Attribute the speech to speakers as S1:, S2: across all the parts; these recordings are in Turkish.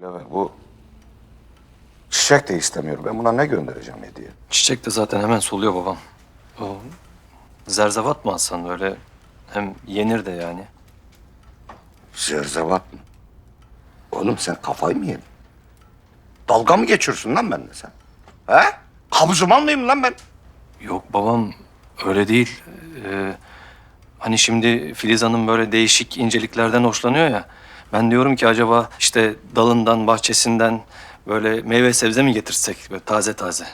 S1: Dilaver, bu çiçek de istemiyor. Ben buna ne göndereceğim hediye?
S2: Çiçek de zaten hemen soluyor babam. O zerzevat mı alsan öyle hem yenir de yani.
S1: Zerzevat mı? Oğlum sen kafayı mı yedin? Dalga mı geçiyorsun lan benimle sen? He? Kabzuman mıyım lan ben?
S2: Yok babam öyle değil. Hani şimdi Filiz Hanım böyle değişik inceliklerden hoşlanıyor ya. Ben diyorum ki acaba işte dalından, bahçesinden böyle meyve sebze mi getirsek böyle taze taze?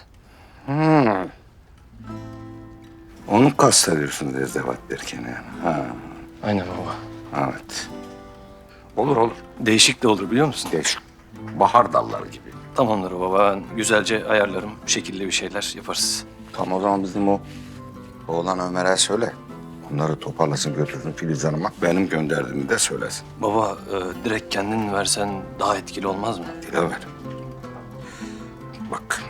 S1: Onu kastediyorsun zerzevat derken yani. Ha,
S2: Aynen baba.
S1: evet. Olur olur.
S2: Değişik de olur biliyor musun?
S1: Değişik. Bahar dalları gibi.
S2: Tamamdır baba. Ben güzelce ayarlarım. Şekilli bir şeyler yaparız.
S1: Tamam o zaman bizim o oğlan Ömer'e söyle. Onları toparlasın götürsün Filiz Hanım'a. Benim gönderdiğimi de söylesin.
S2: Baba direkt kendin versen daha etkili olmaz mı?
S1: Dilaver. Bak.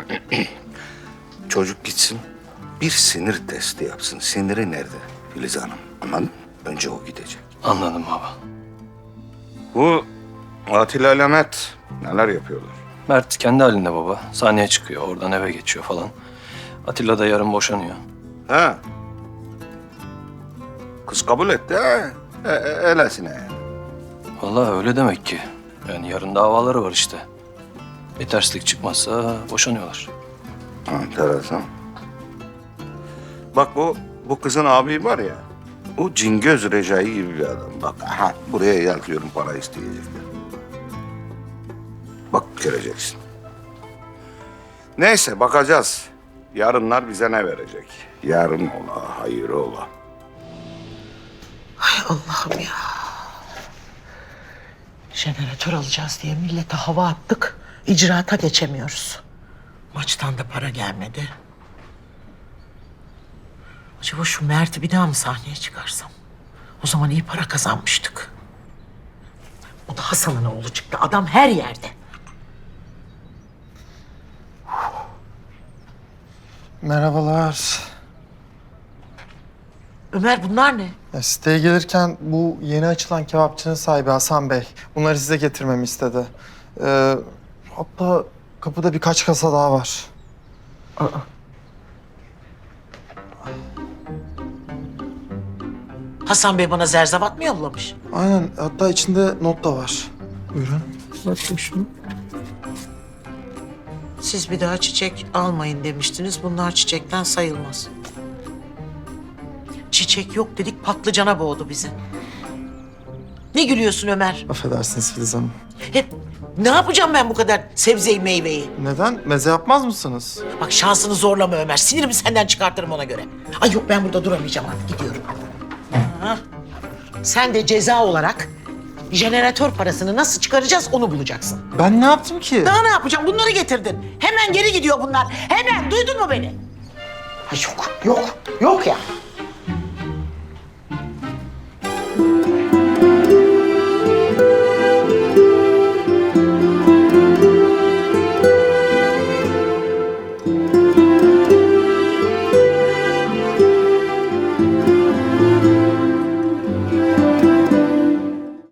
S1: Çocuk gitsin. Bir sinir testi yapsın. Siniri nerede Filiz Hanım? Anladın mı? Önce o gidecek.
S2: Anladım baba.
S1: Bu Atilla ile Mehmet neler yapıyorlar?
S2: Mert kendi halinde baba. Sahneye çıkıyor. Oradan eve geçiyor falan. Atilla da yarın boşanıyor.
S1: Ha? Kız kabul etti ha? Öylesine yani.
S2: Vallahi öyle demek ki. Yani yarın davaları var işte. Bir terslik çıkmazsa boşanıyorlar.
S1: Enteresan. Bak bu kızın abi var ya. O Cingöz Recai gibi bir adam. Bak aha buraya yazıyorum para isteyecekler. Bak göreceksin. Neyse bakacağız. Yarınlar bize ne verecek? Yarın ola, hayır ola.
S3: Ay Allah'ım ya. Jeneratör alacağız diye millete hava attık. İcraata geçemiyoruz. Maçtan da para gelmedi. Acaba şu Mert'i bir daha mı sahneye çıkarsam? O zaman iyi para kazanmıştık. O da Hasan'ın oğlu çıktı. Adam her yerde.
S4: Merhabalar.
S3: Ömer bunlar ne?
S4: Ya siteye gelirken bu yeni açılan kebapçının sahibi Hasan Bey bunları size getirmemi istedi. Hatta kapıda birkaç kasa daha var.
S3: Hasan Bey bana zerzevat mı yollamış?
S4: Aynen, hatta içinde not da var. Buyurun.
S3: Bakayım şunu. Siz bir daha çiçek almayın demiştiniz. Bunlar çiçekten sayılmaz. Çiçek yok dedik, patlıcana boğdu bizi. Ne gülüyorsun Ömer?
S4: Affedersiniz Filiz Hanım.
S3: Hep ne yapacağım ben bu kadar sebzeyi meyveyi?
S4: Neden? Meze yapmaz mısınız?
S3: Bak şansını zorlama Ömer. Sinirimi senden çıkartırım ona göre. Ay yok ben burada duramayacağım artık gidiyorum. Ha. Sen de ceza olarak jeneratör parasını nasıl çıkaracağız onu bulacaksın.
S4: Ben ne yaptım ki?
S3: Daha ne yapacağım? Bunları getirdin. Hemen geri gidiyor bunlar. Hemen duydun mu beni? Ay yok ya.